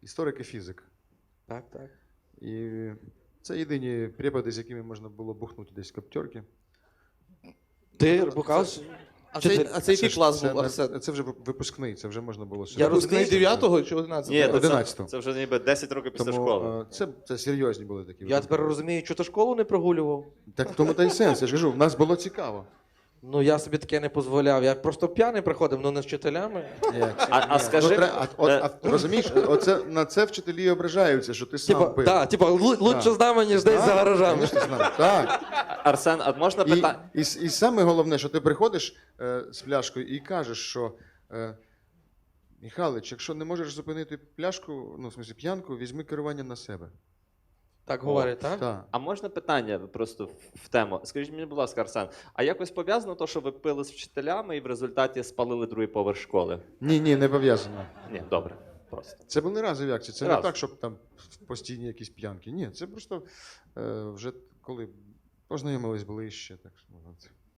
історик і фізик. Так, так. І це єдині препади, з якими можна було бухнути десь в коптерки. Ти бухав? А це який клас був, це, Арсен? це вже випускний, це вже можна було Я Випускний розумію. 9-го чи 11-го? Ні, 11-го. це вже ніби 10 років після Тому школи. це серйозні були такі. Я тепер розумію, що ти школу не прогулював. Так в тому та й сенс, я ж кажу, в нас було цікаво. Ну, я собі таке не дозволяв. Я просто п'яний приходив, ну не з вчителями. Скажи, розумієш, на це вчителі ображаються, що ти сам пив. Лучше з нами, ніж десь за гаражами. Конечно, з нами. Так. Арсен, а можна питання? І саме головне, що ти приходиш з пляшкою і кажеш, що Михайлович, якщо не можеш зупинити пляшку, ну, в смысле, п'янку, візьми керування на себе. Так говорять, так? Так. А можна питання просто в тему? Скажіть мені, будь ласка, Арсен, а якось пов'язано те, що ви пили з вчителями і в результаті спалили другий поверх школи? Ні, не пов'язано. Ні, добре, просто. Це були разові акції. Це Раз. не так, щоб там постійні якісь п'янки. Ні, це просто вже коли познайомились ближче. Так, що,